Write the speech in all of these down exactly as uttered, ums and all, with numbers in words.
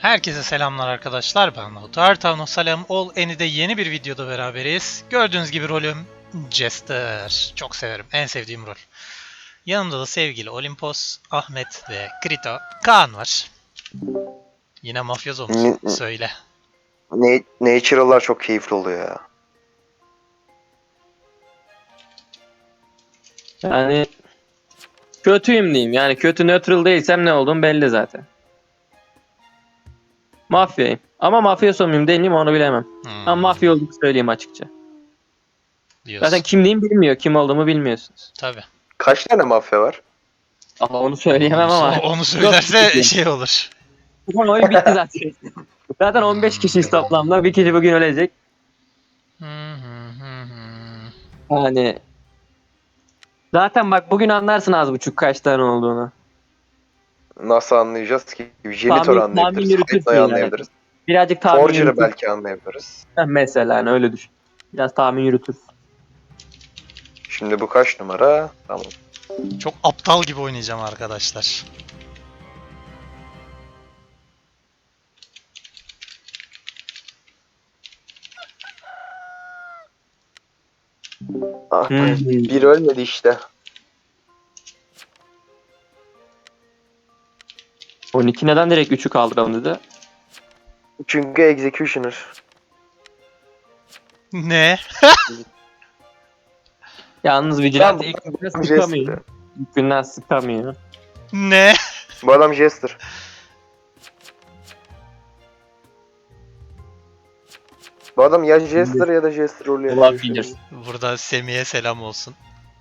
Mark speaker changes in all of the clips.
Speaker 1: Herkese selamlar arkadaşlar, ben Lautar Tavno Salam Ol Eni'de yeni bir videoda beraberiz. Gördüğünüz gibi rolüm Jester. Çok severim, en sevdiğim rol. Yanımda da sevgili Olimpos, Ahmet ve Krito, Kaan var. Yine mafyozo musun?
Speaker 2: N-
Speaker 1: Söyle.
Speaker 2: n- Natural'lar çok keyifli oluyor ya.
Speaker 3: Yani kötüyüm diyeyim. Yani kötü neutral değilsem ne olduğum belli zaten. Mafyayım. Ama mafyoso muyum değil miyim onu bilemem.
Speaker 1: Hmm,
Speaker 3: Ama mafya olduğumu söyleyeyim açıkça.
Speaker 1: diyorsun.
Speaker 3: Zaten kimliğimi bilmiyor. Kim olduğumu bilmiyorsunuz.
Speaker 1: Tabii.
Speaker 2: Kaç tane mafya var?
Speaker 3: Ama onu söyleyemem
Speaker 1: Onu,
Speaker 3: ama.
Speaker 1: onu söylerse
Speaker 3: Yok.
Speaker 1: şey olur.
Speaker 3: Bu oyun bitti zaten. Zaten on beş kişiyiz toplamda. Bir kişi bugün ölecek.
Speaker 1: Hı hı hı hı.
Speaker 3: Yani zaten bak bugün anlarsın az buçuk kaç tane olduğunu.
Speaker 2: Nasıl anlayacağız ki? Janitor
Speaker 3: Tahmin- tahmin
Speaker 2: anlayabiliriz.
Speaker 3: yürütürsün
Speaker 2: Hayda'yı
Speaker 3: yani.
Speaker 2: anlayabiliriz.
Speaker 3: Birazcık tahmin
Speaker 2: Forger'ı
Speaker 3: yürütür.
Speaker 2: belki anlayabiliriz.
Speaker 3: Mesela hani öyle düşün. Biraz tahmin yürütür.
Speaker 2: Şimdi bu kaç numara? Tamam.
Speaker 1: Çok aptal gibi oynayacağım arkadaşlar.
Speaker 2: Ah,
Speaker 3: Hmm.
Speaker 2: bir ölmedi işte.
Speaker 3: on iki neden direkt üçü kaldıralım dedi.
Speaker 2: Çünkü Executioner.
Speaker 1: Ne?
Speaker 3: Yalnız Vigilante
Speaker 2: Ben-
Speaker 3: ilk günden
Speaker 2: Jester.
Speaker 3: sıkamıyor. İlk günden sıkamıyor.
Speaker 1: Ne?
Speaker 2: Bu adam Jester. Bu adam ya Jester ya da Jester rolü yapıyor.
Speaker 3: Olabilir.
Speaker 1: Burada Semih'e selam olsun.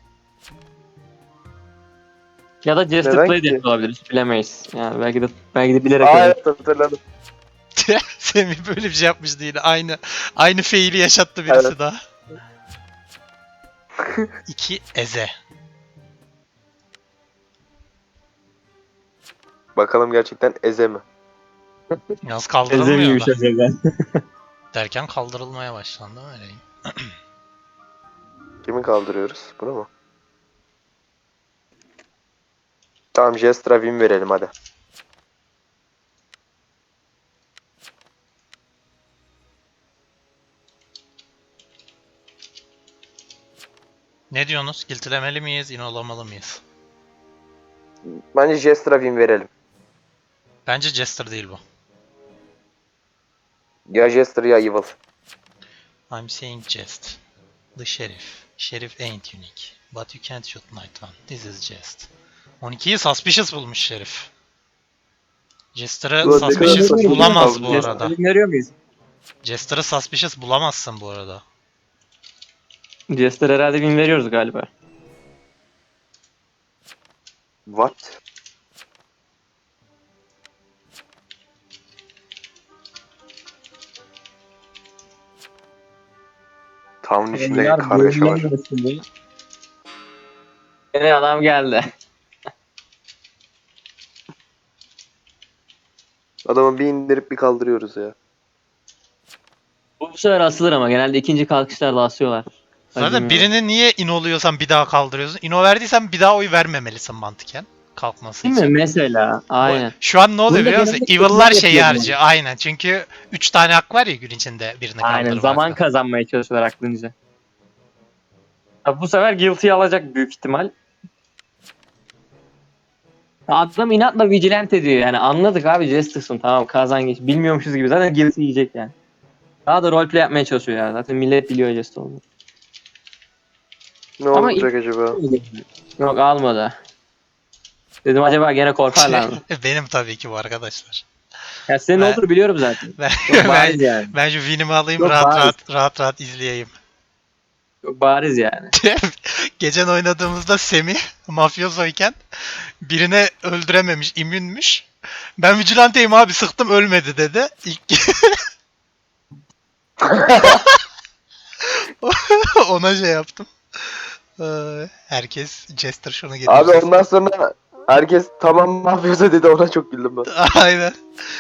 Speaker 3: Ya da Jester
Speaker 2: Neden
Speaker 3: Play de
Speaker 2: ki?
Speaker 3: olabilir. Hiç bilemeyiz. Yani belki de belki de bilerek
Speaker 2: Aa
Speaker 3: öyle.
Speaker 2: evet hatırladım.
Speaker 1: Semih böyle bir şey yapmıştı yine. Aynı aynı faili yaşattı birisi
Speaker 2: Evet.
Speaker 1: daha. İki Eze.
Speaker 2: Bakalım gerçekten Eze mi?
Speaker 1: Yalnız kaldırılmıyor
Speaker 3: Ezemiyormuş
Speaker 1: da.
Speaker 3: acaba.
Speaker 1: Derken kaldırılmaya başlandı öyle.
Speaker 2: Kimi kaldırıyoruz? Bunu mu? Tamam Jester'a win verelim hadi.
Speaker 1: Ne diyorsunuz? Kilitlemeli miyiz? İnolamalı mıyız?
Speaker 2: Bence Jester'a win verelim.
Speaker 1: Bence Jester değil bu.
Speaker 2: Ya Jester ya Evil.
Speaker 1: I'm saying jest. The sheriff. Sheriff ain't unique. But you can't shoot night one. This is jest. on ikiyi suspicious bulmuş şerif. Jester'ı
Speaker 2: Ulan ne
Speaker 1: suspicious
Speaker 2: kadar
Speaker 1: bulamaz
Speaker 2: saçma
Speaker 1: bu
Speaker 2: ya.
Speaker 1: arada.
Speaker 3: Veriyor muyuz?
Speaker 1: Jester'ı suspicious bulamazsın bu arada.
Speaker 3: Jester herhalde win veriyoruz galiba.
Speaker 2: What? Town içinde kargaşa var.
Speaker 3: Yine adam geldi.
Speaker 2: Adamı bir indirip bir kaldırıyoruz ya.
Speaker 3: Bu, bu sefer asılır ama genelde ikinci kalkışlarda asıyorlar.
Speaker 1: Zaten
Speaker 3: Acımıyor.
Speaker 1: birini niye inoluyorsan bir daha kaldırıyorsun? İno verdiysen bir daha oy vermemelisin mantıken. Kalkması
Speaker 3: Değil
Speaker 1: için.
Speaker 3: mi? Mesela. Aynen.
Speaker 1: Şu an ne oluyor
Speaker 3: Bunda
Speaker 1: biliyor musun?
Speaker 3: genelde
Speaker 1: Evil'lar
Speaker 3: kızlar
Speaker 1: şeyi
Speaker 3: yapıyor bunu.
Speaker 1: harcıyor. Aynen. Çünkü üç tane hak var ya gün içinde birini
Speaker 3: Aynen.
Speaker 1: kaldırmakta.
Speaker 3: Zaman kazanmaya çalışıyorlar aklınca. Ya bu sefer Guilty'yi alacak büyük ihtimal. Adam inatla Vigilante diyor yani. Anladık abi Jester'sın tamam kazan geç. Bilmiyormuşuz gibi zaten Guilty yiyecek yani. Daha da roleplay yapmaya çalışıyor ya. Zaten millet biliyor Jester olduğunu.
Speaker 2: Ne
Speaker 3: Ama
Speaker 2: olacak acaba?
Speaker 3: Yok almadı. Dedim acaba gene korkarlar mı?
Speaker 1: Benim tabii ki bu arkadaşlar.
Speaker 3: Ya senin
Speaker 1: Ben-
Speaker 3: olduğunu biliyorum zaten.
Speaker 1: Ben,
Speaker 3: Çok bariz
Speaker 1: ben,
Speaker 3: yani.
Speaker 1: ben şu win'imi alayım
Speaker 3: Yok,
Speaker 1: rahat
Speaker 3: bariz.
Speaker 1: rahat rahat rahat izleyeyim.
Speaker 3: Çok bariz yani.
Speaker 1: Geçen oynadığımızda Semih mafyozoyken birine öldürememiş, immünmüş. Ben vigilanteyim abi sıktım ölmedi dedi. İlk ona şey yaptım. Ee, Herkes Jester şunu
Speaker 2: Abi
Speaker 1: getirsin.
Speaker 2: ondan sonra herkes tamam mafyosa dedi, ona çok güldüm ben.
Speaker 1: Aynen.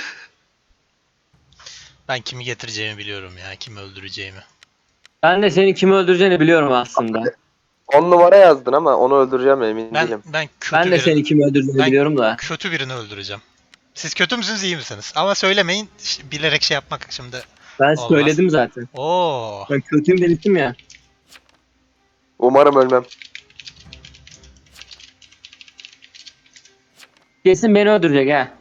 Speaker 1: Ben kimi getireceğimi biliyorum ya, kimi öldüreceğimi.
Speaker 3: Ben de senin kimi öldüreceğini biliyorum aslında.
Speaker 2: on numara yazdın ama onu öldüreceğim emin
Speaker 1: Ben
Speaker 2: değilim.
Speaker 1: ben kötü
Speaker 3: Ben de
Speaker 1: birini,
Speaker 3: seni kimi öldürdüğünü
Speaker 1: Ben-
Speaker 3: biliyorum da.
Speaker 1: kötü birini öldüreceğim. Siz kötü müsünüz iyi misiniz? Ama söylemeyin ş- bilerek şey yapmak şimdi
Speaker 3: Ben
Speaker 1: olmaz.
Speaker 3: söyledim zaten.
Speaker 1: Oo.
Speaker 3: Ben kötüyüm demiştim ya.
Speaker 2: Umarım ölmem.
Speaker 3: Kesin beni öldürecek ha.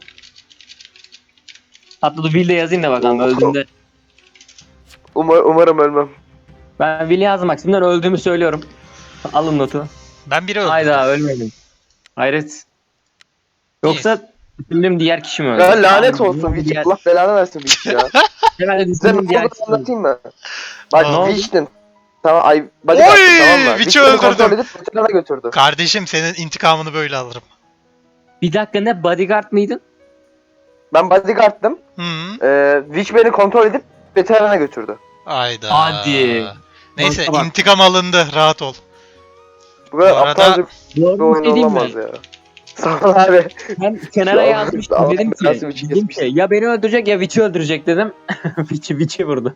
Speaker 3: Hatta dur Will de yazayım da bakalım
Speaker 2: Oo.
Speaker 3: öldüğünde.
Speaker 2: Umar, umarım ölmem.
Speaker 3: Ben Will'i yazdım bak şimdiden öldüğümü söylüyorum. Alın notu.
Speaker 1: Ben biri öldürdüm.
Speaker 3: Hayda ölmedim. Hayret. Yoksa düşündüğüm diğer kişi mi öldü?
Speaker 2: Ya lanet
Speaker 3: Abi,
Speaker 2: olsun Witch.
Speaker 3: diğer-
Speaker 2: Allah belanı versin Witch ya.
Speaker 3: Hemen de
Speaker 2: Size
Speaker 3: düşündüğüm
Speaker 2: ne
Speaker 3: diğer
Speaker 2: oldu
Speaker 3: kişi öldü.
Speaker 2: anlatayım mı?
Speaker 1: Ne
Speaker 2: Bak
Speaker 1: oldu?
Speaker 2: Witch'tin. Tamam ay
Speaker 1: Oy,
Speaker 2: bodyguard'tın tamam mı?
Speaker 1: Witch'i
Speaker 2: Witch beni kontrol
Speaker 1: öldürdüm.
Speaker 2: edip veterana götürdü.
Speaker 1: Kardeşim senin intikamını böyle alırım.
Speaker 3: Bir dakika ne bodyguard mıydın?
Speaker 2: Ben bodyguard'tım.
Speaker 1: Hı.
Speaker 2: Ee, Witch beni kontrol edip veterana götürdü.
Speaker 1: Hayda.
Speaker 3: Hadi.
Speaker 1: Neyse
Speaker 3: Bak, bak.
Speaker 1: intikam alındı rahat ol.
Speaker 2: Bu kadar
Speaker 1: Bu arada-
Speaker 2: aptalca bir
Speaker 3: Doğru bir
Speaker 2: oyun
Speaker 3: şey diyeyim mi?
Speaker 2: olamaz ya. Sağ ol abi.
Speaker 3: Ben kenara
Speaker 2: Şu an
Speaker 3: yazmıştım
Speaker 2: Allah
Speaker 3: dedim ki,
Speaker 2: belasını Witch'i
Speaker 3: dedim ki
Speaker 2: kesmişsin.
Speaker 3: ya beni öldürecek ya Witch'i öldürecek dedim. Witch'i Witch'i vurdu.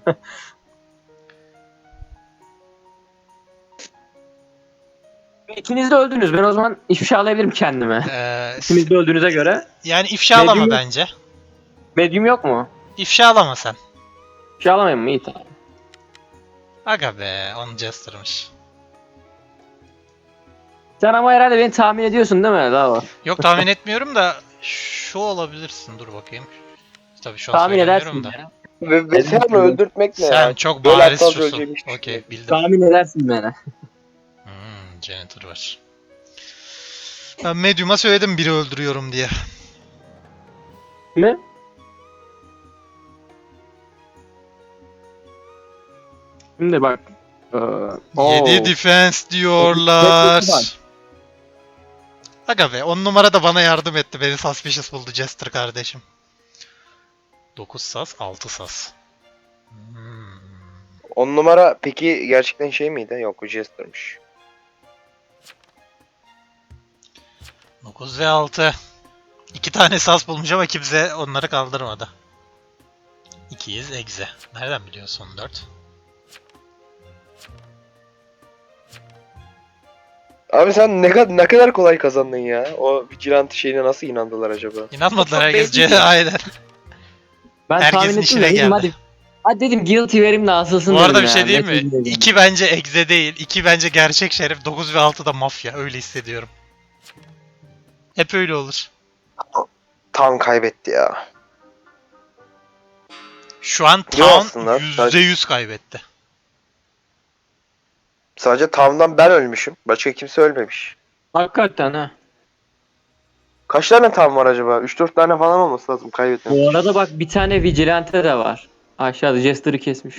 Speaker 3: İkiniz de öldünüz. Ben o zaman ifşa alabilirim kendime.
Speaker 1: Ee,
Speaker 3: İkiniz de öldüğünüze göre.
Speaker 1: yani ifşalama
Speaker 3: Medium-
Speaker 1: bence.
Speaker 3: Medium yok mu?
Speaker 1: İfşalama sen.
Speaker 3: İfşa alamayayım mı? İyi tamam.
Speaker 1: Aga be onu Jester'mış.
Speaker 3: Sen ama herhalde beni tahmin ediyorsun değil mi? Daha var.
Speaker 1: Yok tahmin etmiyorum da şu olabilirsin dur bakayım. Tabii şu an
Speaker 3: Tahmin
Speaker 1: söylemiyorum
Speaker 3: edersin
Speaker 1: da.
Speaker 3: ya.
Speaker 2: Ve veteranı öldürtmek ne
Speaker 1: Sen
Speaker 2: ya?
Speaker 1: çok
Speaker 2: Böyle
Speaker 1: bariz
Speaker 2: aptalca
Speaker 1: şusun.
Speaker 2: öleceğim hiçbir şey
Speaker 1: Okey
Speaker 2: yok.
Speaker 1: bildim.
Speaker 3: Tahmin edersin beni.
Speaker 1: Hmm, janitor var. Ben Medium'a söyledim biri öldürüyorum diye.
Speaker 3: Mi? Şimdi bak. Ee, oo.
Speaker 1: yedi defense
Speaker 3: Var.
Speaker 1: diyorlar. Aga be on numara da bana yardım etti. Beni suspicious buldu Jester kardeşim. dokuz sas, altı sas. Hmm.
Speaker 2: On numara peki gerçekten şey miydi? Yok o Jester'mış.
Speaker 1: dokuz ve altı. İki tane sas bulmuş ama kimse onları kaldırmadı. ikiyiz egze. Nereden biliyorsun dört?
Speaker 2: Abi sen ne kadar ne kadar kolay kazandın ya. O vigilante şeyine nasıl inandılar acaba?
Speaker 1: İnanmadılar
Speaker 3: Çok
Speaker 1: herkes.
Speaker 3: belli
Speaker 1: C-
Speaker 3: ki.
Speaker 1: Aynen.
Speaker 3: Ben
Speaker 1: Herkesin
Speaker 3: tahmin ettim
Speaker 1: işine
Speaker 3: de dedim
Speaker 1: geldi.
Speaker 3: hadi. Hadi dedim guilty verim de asılsın
Speaker 1: Bu
Speaker 3: dedim
Speaker 1: arada bir
Speaker 3: ya.
Speaker 1: şey diyeyim mi?
Speaker 3: Metin dedim.
Speaker 1: iki bence egze değil. iki bence gerçek şerif. dokuz ve altı da mafya. Öyle hissediyorum. Hep öyle olur.
Speaker 2: Tam kaybetti ya.
Speaker 1: Şu an
Speaker 2: Yok
Speaker 1: Town
Speaker 2: aslında.
Speaker 1: yüzde yüz kaybetti.
Speaker 2: Sadece Town'dan ben ölmüşüm. Başka kimse ölmemiş.
Speaker 3: Hakikaten ha.
Speaker 2: Kaç tane Town var acaba? üç dört tane falan olması lazım kaybetmem.
Speaker 3: Bu arada bak bir tane vigilante de var. Aşağıda Jester'ı kesmiş.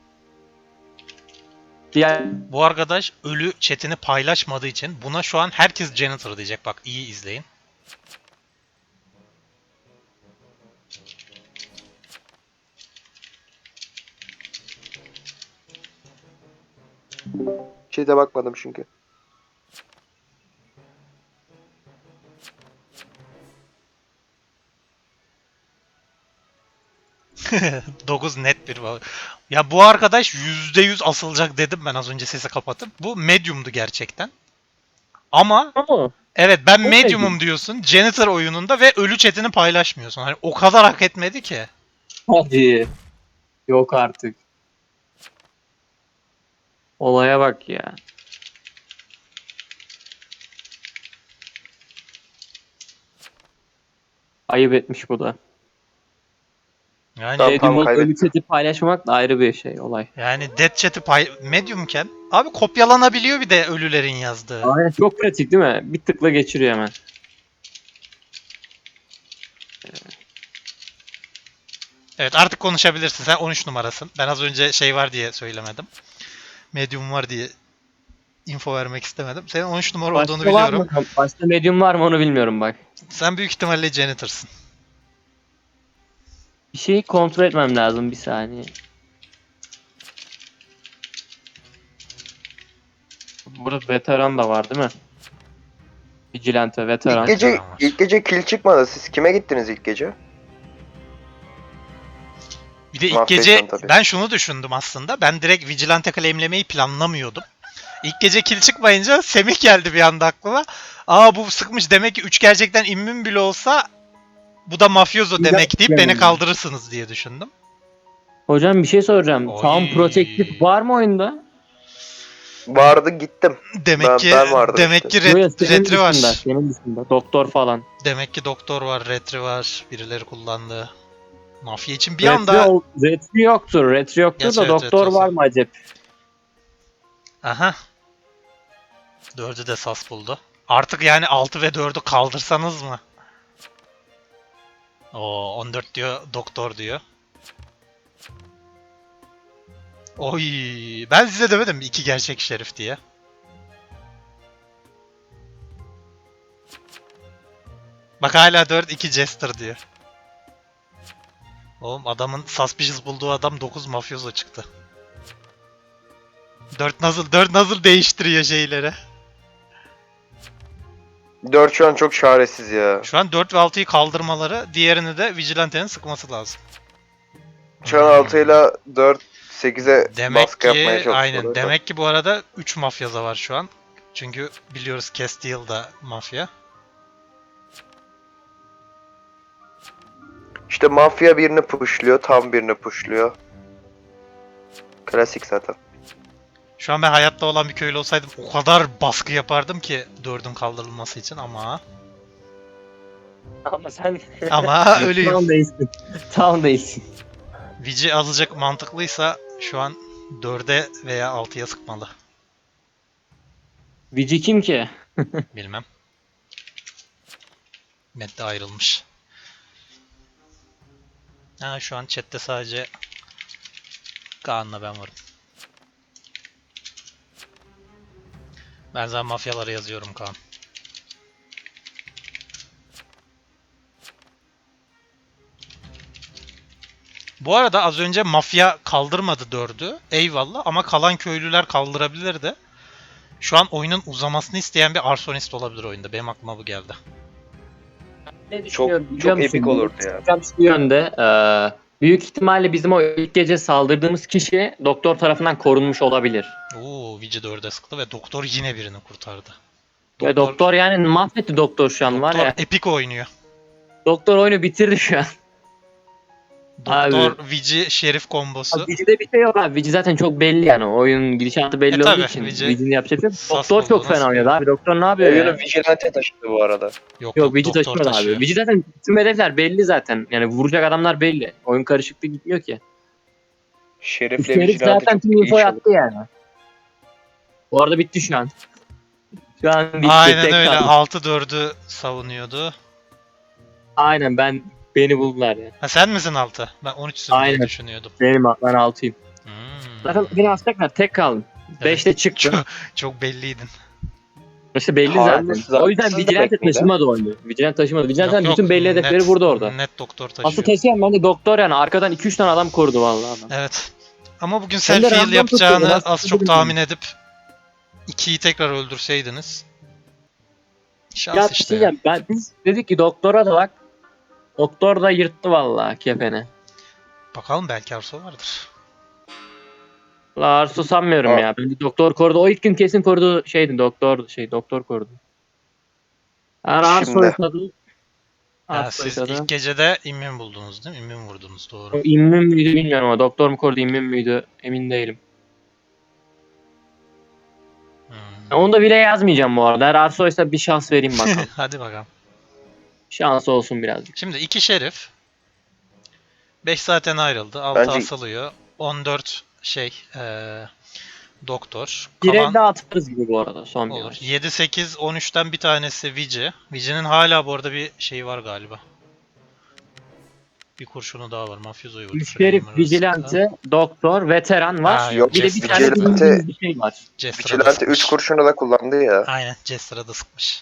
Speaker 3: Diğer
Speaker 1: Bu arkadaş ölü chatini paylaşmadığı için buna şu an herkes janitor diyecek. Bak iyi izleyin.
Speaker 2: Şeyde bakmadım çünkü.
Speaker 1: dokuz net bir var. Ya bu arkadaş yüzde yüz asılacak dedim ben az önce sesi kapatıp. Bu medium'du gerçekten. Ama
Speaker 3: ama
Speaker 1: evet ben
Speaker 3: O
Speaker 1: medium'um
Speaker 3: medium.
Speaker 1: diyorsun janitor oyununda ve ölü chatini paylaşmıyorsun. Hani o kadar hak etmedi ki.
Speaker 3: hadi. Yok artık. Olaya bak ya. Ayıp etmiş bu da.
Speaker 1: Yani
Speaker 2: Tamam,
Speaker 3: Medium olup
Speaker 2: kaybettim.
Speaker 3: ölü chat'i paylaşmak da ayrı bir şey olay.
Speaker 1: yani dead chat'i pay mediumken abi kopyalanabiliyor bir de ölülerin yazdığı.
Speaker 3: Aynen çok pratik değil mi? Bir tıkla geçiriyor hemen.
Speaker 1: Evet artık konuşabilirsin. Sen on üç numarasın. Ben az önce şey var diye söylemedim. Medium var diye info vermek istemedim. Senin on üç numara olduğunu
Speaker 3: Başka var
Speaker 1: biliyorum.
Speaker 3: mı? Başka medium var mı onu bilmiyorum bak.
Speaker 1: Sen büyük ihtimalle janitor'sın.
Speaker 3: Bir şeyi kontrol etmem lazım bir saniye. Burada veteran da var değil mi? Vigilante, veteran.
Speaker 2: İlk gece
Speaker 1: Tamam.
Speaker 2: ilk gece kill çıkmadı. Siz kime gittiniz ilk gece?
Speaker 1: Bir de ilk
Speaker 2: Mahvettin
Speaker 1: gece
Speaker 2: tabii.
Speaker 1: ben şunu düşündüm aslında. Ben direkt Vigilante claimlemeyi planlamıyordum. İlk gece kill çıkmayınca Semih geldi bir anda aklıma. Aa bu sıkmış demek ki üç gerçekten immün bile olsa bu da mafyozo
Speaker 3: Güzel
Speaker 1: demek deyip
Speaker 3: yani.
Speaker 1: beni kaldırırsınız diye düşündüm.
Speaker 3: Hocam bir şey soracağım.
Speaker 1: Oy.
Speaker 3: Sound Protective var mı oyunda?
Speaker 2: Vardı gittim.
Speaker 1: Demek
Speaker 2: Ben-
Speaker 1: ki
Speaker 2: ben vardım
Speaker 1: demek
Speaker 2: işte.
Speaker 1: ki
Speaker 3: Yo, yo,
Speaker 1: ret-
Speaker 3: senin
Speaker 1: retri
Speaker 3: dışında,
Speaker 1: var.
Speaker 3: senin dışında. Doktor falan.
Speaker 1: Demek ki doktor var, retri var. Birileri kullandı. Mafya için bir
Speaker 3: retri,
Speaker 1: anda...
Speaker 3: ol- retri yoktur. Retri yoktur
Speaker 1: Gerçi
Speaker 3: da
Speaker 1: evet,
Speaker 3: doktor
Speaker 1: retrosu
Speaker 3: var
Speaker 1: yok.
Speaker 3: mı acaba?
Speaker 1: Aha. Dördü de sas buldu. Artık yani altı ve dördü kaldırsanız mı? Oo, on dört diyor, doktor diyor. Oy, ben size demedim mi iki gerçek şerif diye. Bak hala dört iki jester diyor. Oğlum adamın suspicious bulduğu adam dokuz mafyozo çıktı. dört nasıl dört nasıl değiştiriyor şeyleri.
Speaker 2: dört şu an çok çaresiz ya.
Speaker 1: Şu an dört ve altıyı kaldırmaları, diğerini de Vigilante'nin sıkması lazım.
Speaker 2: Şu an altı ile dört sekize
Speaker 1: Demek
Speaker 2: baskı yapmaya
Speaker 1: ki
Speaker 2: çalışıyorlar.
Speaker 1: aynen. Demek ki bu arada üç mafyaza var şu an. Çünkü biliyoruz Castile da mafya.
Speaker 2: İşte mafya birini pushluyor, tam birini pushluyor. Klasik zaten.
Speaker 1: Şu an ben hayatta olan bir köylü olsaydım o kadar baskı yapardım ki dördün kaldırılması için ama
Speaker 3: Ama sen
Speaker 1: ama ölüyüm.
Speaker 3: tam değilsin. Tam değilsin.
Speaker 1: Vici azıcık mantıklıysa şu an dörde veya altıya sıkmalı.
Speaker 3: Vici kim ki?
Speaker 1: Bilmem. Matt de ayrılmış. Ha, şu an chatte sadece Kaan'la ben varım. Ben zaten mafyalara yazıyorum Kaan. Bu arada az önce mafya kaldırmadı dördü. Eyvallah ama kalan köylüler kaldırabilirdi. Şu an oyunun uzamasını isteyen bir arsonist olabilir oyunda. Benim aklıma bu geldi.
Speaker 3: Ne
Speaker 2: Çok
Speaker 3: düşünüyorum biliyor
Speaker 2: çok
Speaker 3: musun?
Speaker 2: epik olurdu ya.
Speaker 3: Hocam şu yönde. eee, büyük ihtimalle bizim o ilk gece saldırdığımız kişi doktor tarafından korunmuş olabilir.
Speaker 1: Oo, Vici dörde sıktı ve doktor yine birini kurtardı.
Speaker 3: Ve doktor yani mahvetti doktor şu an var
Speaker 1: doktor
Speaker 3: ya.
Speaker 1: epik oynuyor.
Speaker 3: Doktor oyunu bitirdi şu an.
Speaker 1: Doktor Vici Şerif kombosu.
Speaker 3: Abi Vici'de bir şey yok abi. Vici zaten çok belli yani. Oyunun gidişatı belli
Speaker 1: E
Speaker 3: olduğu
Speaker 1: tabii,
Speaker 3: için.
Speaker 1: Vici
Speaker 3: Vici'nin yapacak bir şey yok.
Speaker 1: sas
Speaker 3: Doktor çok
Speaker 1: bulduğuna
Speaker 3: fena oynadı
Speaker 1: sıkıyor.
Speaker 3: abi. Doktor ne yapıyor
Speaker 2: Oyunu
Speaker 3: ya?
Speaker 2: Vigilante taşıdı bu arada.
Speaker 1: Yok,
Speaker 3: Yok Vici
Speaker 1: doktor
Speaker 3: taşımadı
Speaker 1: taşıyor.
Speaker 3: abi. Vici zaten tüm hedefler belli zaten. Yani vuracak adamlar belli. Oyun karışıklığı gitmiyor ki.
Speaker 2: Şerif'le
Speaker 3: Şerif
Speaker 2: Vigilante
Speaker 3: zaten
Speaker 2: çok
Speaker 3: tüm
Speaker 2: iyi
Speaker 3: info
Speaker 2: çalıştı.
Speaker 3: attı yani. Bu arada bitti şu an. Şu an bitti.
Speaker 1: Aynen
Speaker 3: Tek
Speaker 1: öyle.
Speaker 3: kaldı.
Speaker 1: altı dördü savunuyordu.
Speaker 3: Aynen ben beni buldular ya.
Speaker 1: Ha sen misin altı? Ben on üçsün diye
Speaker 3: Aynen.
Speaker 1: düşünüyordum.
Speaker 3: Benim ben altıyım.
Speaker 1: Hmm.
Speaker 3: Zaten beni asacaklar. Tek kaldım.
Speaker 1: Evet.
Speaker 3: beşte çıktı.
Speaker 1: Çok, çok belliydin.
Speaker 3: İşte belli
Speaker 2: Harbi
Speaker 3: zaten. O yüzden
Speaker 2: zaten
Speaker 3: Vigilante
Speaker 2: demek miydi?
Speaker 3: taşımadı oyunu. Vigilante taşımadı. Vigilante
Speaker 1: Yok, yok,
Speaker 3: bütün belli hedefleri
Speaker 1: net-
Speaker 3: vurdu orada.
Speaker 1: Net doktor taşıyor.
Speaker 3: Asıl taşıyan bence doktor yani. Arkadan iki üç tane adam korudu vallahi adam.
Speaker 1: Evet. Ama bugün
Speaker 3: Hem de
Speaker 1: self heal
Speaker 3: random
Speaker 1: yapacağını
Speaker 3: tutuyor, nasıl
Speaker 1: az çok
Speaker 3: bilmiyorum.
Speaker 1: tahmin edip ikiyi tekrar öldürseydiniz. Şans
Speaker 3: Ya bir
Speaker 1: işte.
Speaker 3: şey
Speaker 1: ya.
Speaker 3: diyeceğim. Ben, biz dedik ki doktora da bak. Doktor da yırttı vallahi kefeni.
Speaker 1: Bakalım belki Arso vardır.
Speaker 3: La Arsu sanmıyorum
Speaker 2: Aa.
Speaker 3: ya. Bence doktor korudu. O ilk gün kesin korudu şeydi. Doktor şey doktor korudu. Yani Arsu
Speaker 2: Şimdi.
Speaker 3: yaşadı.
Speaker 1: Ha,
Speaker 3: Arsu
Speaker 1: siz
Speaker 3: yaşadı.
Speaker 1: ilk gecede immün buldunuz değil mi? İmmün vurdunuz doğru.
Speaker 3: O immün müydü bilmiyorum ama doktor mu korudu immün müydü emin değilim.
Speaker 1: Hmm.
Speaker 3: Onu da bile yazmayacağım bu arada. Eğer Arso'ysa bir şans vereyim bakalım.
Speaker 1: Hadi bakalım.
Speaker 3: Şans olsun birazcık.
Speaker 1: Şimdi iki şerif. beş zaten ayrıldı. altı
Speaker 2: Bence-
Speaker 1: asılıyor. on dört şey eee doktor.
Speaker 3: Bir
Speaker 1: Kalan
Speaker 3: elde atarız gibi bu arada son bir
Speaker 1: olur.
Speaker 3: maç.
Speaker 1: yedi sekiz on üçten bir tanesi Vici. Vici'nin hala bu arada bir şeyi var galiba. Bir kurşunu daha var. Mafyozo'yu vurdu.
Speaker 3: Üç herif
Speaker 1: Framer
Speaker 3: vigilante, doktor, veteran var.
Speaker 1: Ha,
Speaker 2: yok,
Speaker 3: bir de bir
Speaker 1: Jester
Speaker 3: tane
Speaker 2: Vigilante-
Speaker 3: bildiğimiz bir şey var.
Speaker 1: Jester'a da
Speaker 2: Vigilante
Speaker 1: sıkmış.
Speaker 2: üç kurşunu da kullandı ya.
Speaker 1: Aynen. Jester'a da sıkmış.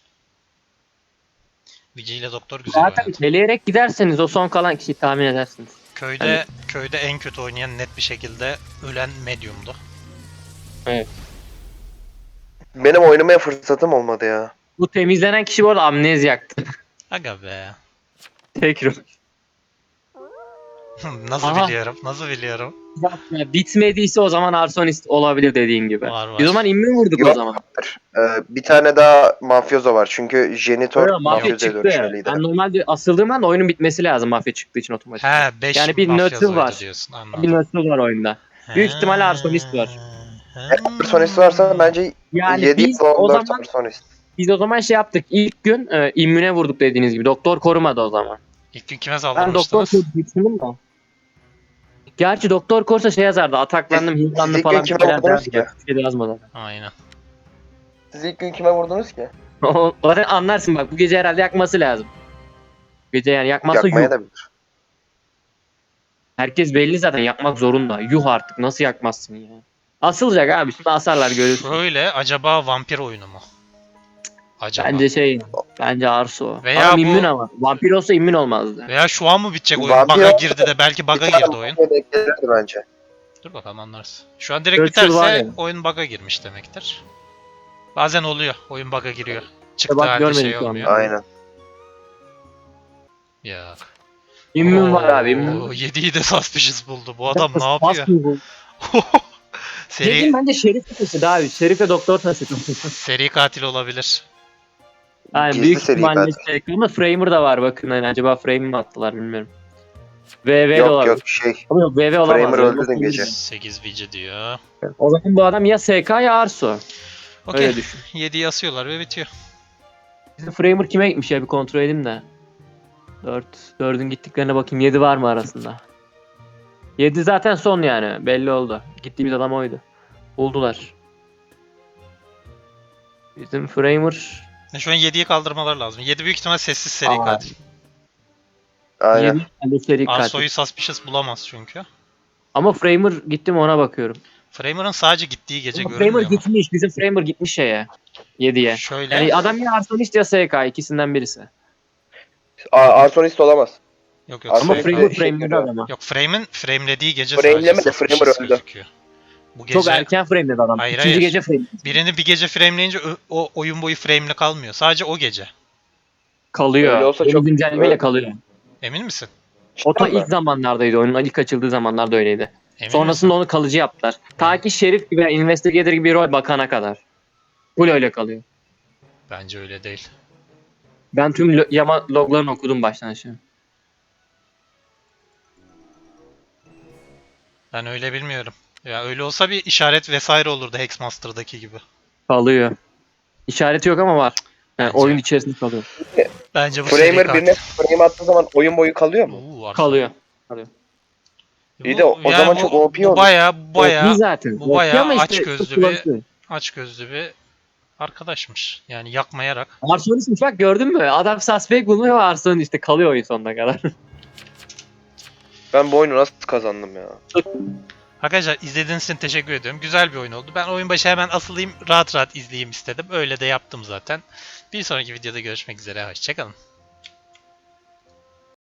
Speaker 1: Vici ile doktor güzel
Speaker 3: Zaten
Speaker 1: oynadı.
Speaker 3: eleyerek giderseniz o son kalan kişiyi tahmin edersiniz.
Speaker 1: Köyde köyde en kötü oynayan net bir şekilde ölen medium'du.
Speaker 2: Benim oynamaya fırsatım olmadı ya.
Speaker 3: Bu temizlenen kişi bu arada amnezyaktı.
Speaker 1: Aga be.
Speaker 3: Tekrar.
Speaker 1: Nasıl
Speaker 3: Aha.
Speaker 1: biliyorum? Nasıl biliyorum?
Speaker 3: Ya, bitmediyse o zaman arsonist olabilir dediğin gibi.
Speaker 1: Var var.
Speaker 3: Biz o zaman immün vurduk o
Speaker 2: Yok.
Speaker 3: zaman.
Speaker 2: Ee, bir tane daha mafyozo var. Çünkü jenitor
Speaker 3: Öyle mafya
Speaker 2: mafyozoya
Speaker 3: çıktı.
Speaker 2: dönüşmeliydi.
Speaker 3: Ben normalde asıldığım anda oyunun bitmesi lazım mafya çıktığı için otomatik.
Speaker 1: He beş
Speaker 3: Yani bir
Speaker 1: mafyozoydu
Speaker 3: neutral var.
Speaker 1: diyorsun,
Speaker 3: Bir
Speaker 1: anladım.
Speaker 3: neutral var oyunda. Büyük ihtimalle arsonist var.
Speaker 2: Eğer arsonist varsa bence
Speaker 3: Yani
Speaker 2: yedi
Speaker 3: biz
Speaker 2: ya da
Speaker 3: o
Speaker 2: on dört
Speaker 3: zaman
Speaker 2: arsonist.
Speaker 3: biz o zaman şey yaptık. İlk gün e, immüne vurduk dediğiniz gibi. Doktor korumadı o zaman.
Speaker 1: İlk gün kime
Speaker 3: Ben doktor
Speaker 1: saldırmıştınız?
Speaker 3: korudu düşündüm de. Gerçi doktor korsa şey yazardı. Ataklandım,
Speaker 2: Siz-
Speaker 3: hızlandı
Speaker 2: siz ilk
Speaker 3: falan
Speaker 2: gün
Speaker 3: bir
Speaker 2: kime
Speaker 3: şeyler
Speaker 2: vurdunuz
Speaker 3: derdi.
Speaker 2: ki?
Speaker 3: ya. Bir şey de yazmadı.
Speaker 1: Aynen.
Speaker 2: Siz ilk gün kime vurdunuz ki?
Speaker 3: O- Zaten anlarsın bak bu gece herhalde yakması lazım. Bu gece yani yakmazsa
Speaker 2: Yakmaya
Speaker 3: yuh.
Speaker 2: da bilir.
Speaker 3: Herkes belli zaten yakmak zorunda. Yuh artık nasıl yakmazsın ya. Asılacak abi şunu asarlar görürsün.
Speaker 1: Şöyle, acaba vampir oyunu mu? Acaba.
Speaker 3: Bence şey bence Arso.
Speaker 1: Veya
Speaker 3: Adam
Speaker 1: bu-
Speaker 3: immün ama. Vampir olsa immün olmazdı.
Speaker 1: Veya şu an mı bitecek oyun?
Speaker 2: Vampir
Speaker 1: Bug'a
Speaker 2: olsa-
Speaker 1: girdi de belki bug'a
Speaker 2: Bir tane
Speaker 1: girdi oyun.
Speaker 2: mafya denk gelirdi bence.
Speaker 1: Dur bakalım anlarız. Şu an direkt
Speaker 3: Churchill var
Speaker 1: biterse
Speaker 3: ya.
Speaker 1: oyun bug'a girmiş demektir. Bazen oluyor. Oyun bug'a giriyor. Çıktığı
Speaker 3: bak
Speaker 1: halde
Speaker 3: görmedik
Speaker 1: şey
Speaker 3: şu an.
Speaker 1: olmuyor.
Speaker 2: Aynen.
Speaker 1: Ya.
Speaker 3: İmmün var abi immün.
Speaker 1: yediyi de suspicious buldu. Bu adam ne yapıyor?
Speaker 3: Bu.
Speaker 1: Seri
Speaker 3: Dedim bence şerif taşıdı abi. Şerif'e doktor taşıdı.
Speaker 1: seri katil olabilir.
Speaker 3: Yani
Speaker 2: Gizli
Speaker 3: büyük
Speaker 2: seri
Speaker 3: ihtimalle
Speaker 2: katil.
Speaker 3: şey. Ama Framer da var bakın. Hani acaba Framer mi attılar bilmiyorum. V V de
Speaker 2: Yok
Speaker 3: olabilir.
Speaker 2: yok şey.
Speaker 3: Ama yok V V olamaz.
Speaker 2: Framer
Speaker 3: ya.
Speaker 2: öldü dün gece.
Speaker 1: sekiz vici diyor.
Speaker 3: O zaman bu adam ya S K ya Arso.
Speaker 1: Okey.
Speaker 3: Öyle düşün.
Speaker 1: yediyi asıyorlar ve bitiyor.
Speaker 3: Bizim Framer kime gitmiş ya bir kontrol edeyim de. dört. dördün gittiklerine bakayım. yedi var mı arasında? yedi zaten son yani. Belli oldu. Gittiğimiz adam oydu. Buldular. Bizim Framer
Speaker 1: E, Şu an yediyi kaldırmalar lazım. yedi büyük ihtimal sessiz seri
Speaker 3: Aa.
Speaker 1: katil.
Speaker 2: Aynen.
Speaker 3: yedi tane seri katil.
Speaker 1: Arso'yu suspicious bulamaz çünkü.
Speaker 3: Ama Framer gitti mi ona bakıyorum.
Speaker 1: Framer'ın sadece gittiği gece
Speaker 3: Ama
Speaker 1: görünmüyor
Speaker 3: Framer
Speaker 1: mu?
Speaker 3: gitmiş. Bizim Framer gitmiş şeye. yediye.
Speaker 1: Şöyle.
Speaker 3: Yani adam ya Arsonist ya S K ikisinden birisi.
Speaker 2: Aa, arsonist olamaz.
Speaker 1: Yok yok.
Speaker 2: Ama
Speaker 3: Ama
Speaker 1: Framer-
Speaker 3: Framer
Speaker 2: şey
Speaker 3: frame'ledi
Speaker 2: görüyor.
Speaker 3: adama.
Speaker 1: Yok Frame'in framelediği gece
Speaker 2: Frameleme
Speaker 1: sadece
Speaker 2: de Framer
Speaker 1: suspicious
Speaker 2: öldü.
Speaker 1: gözüküyor. Bu gece
Speaker 3: Çok erken frameledi adam.
Speaker 1: Hayır,
Speaker 3: İkinci
Speaker 1: hayır.
Speaker 3: gece frameledi.
Speaker 1: birini bir gece frameleyince ö- o oyun boyu frame'li kalmıyor. Sadece o gece.
Speaker 3: Kalıyor.
Speaker 2: Öyle olsa
Speaker 3: Yeni
Speaker 2: çok-
Speaker 3: güncellemeyle
Speaker 2: öyle-
Speaker 3: kalıyor.
Speaker 1: Emin misin?
Speaker 3: O da
Speaker 2: Cidden mi?
Speaker 3: ilk zamanlardaydı. Oyunun ilk açıldığı zamanlarda öyleydi.
Speaker 1: Emin
Speaker 3: Sonrasında
Speaker 1: misin?
Speaker 3: onu kalıcı yaptılar. Ta ki Şerif gibi, Investigator gibi bir rol bakana kadar. Full öyle kalıyor.
Speaker 1: Bence öyle değil.
Speaker 3: Ben tüm lo- yama loglarını okudum baştan aşağı.
Speaker 1: Ben öyle bilmiyorum. Ya öyle olsa bir işaret vesaire olurdu Hexmaster'daki gibi.
Speaker 3: Kalıyor. İşareti yok ama var. Yani
Speaker 1: Bence-
Speaker 3: oyun içerisinde kalıyor.
Speaker 1: Bence bu seri
Speaker 2: Framer
Speaker 1: katil.
Speaker 2: birine frame attığı zaman oyun boyu kalıyor mu?
Speaker 1: Oo, Arso.
Speaker 3: Kalıyor.
Speaker 2: İyi de o- o zaman
Speaker 1: bu-
Speaker 2: çok O P
Speaker 1: Bu
Speaker 2: olur.
Speaker 1: baya
Speaker 3: O
Speaker 1: baya
Speaker 3: P zaten.
Speaker 1: bu bayağı
Speaker 3: O P ama
Speaker 1: aç gözlü
Speaker 3: çok
Speaker 1: bir-
Speaker 3: kullanışlı.
Speaker 1: aç gözlü bir arkadaşmış. Yani yakmayarak.
Speaker 3: Arsonist bak gördün mü? Adam suspect bulmuyor ve Arson işte kalıyor oyun sonuna kadar.
Speaker 2: Ben bu oyunu nasıl kazandım ya?
Speaker 1: Arkadaşlar izlediğiniz için teşekkür ediyorum. Güzel bir oyun oldu. Ben oyun başı hemen asılayım, rahat rahat izleyeyim istedim. Öyle de yaptım zaten. Bir sonraki videoda görüşmek üzere. Hoşçakalın.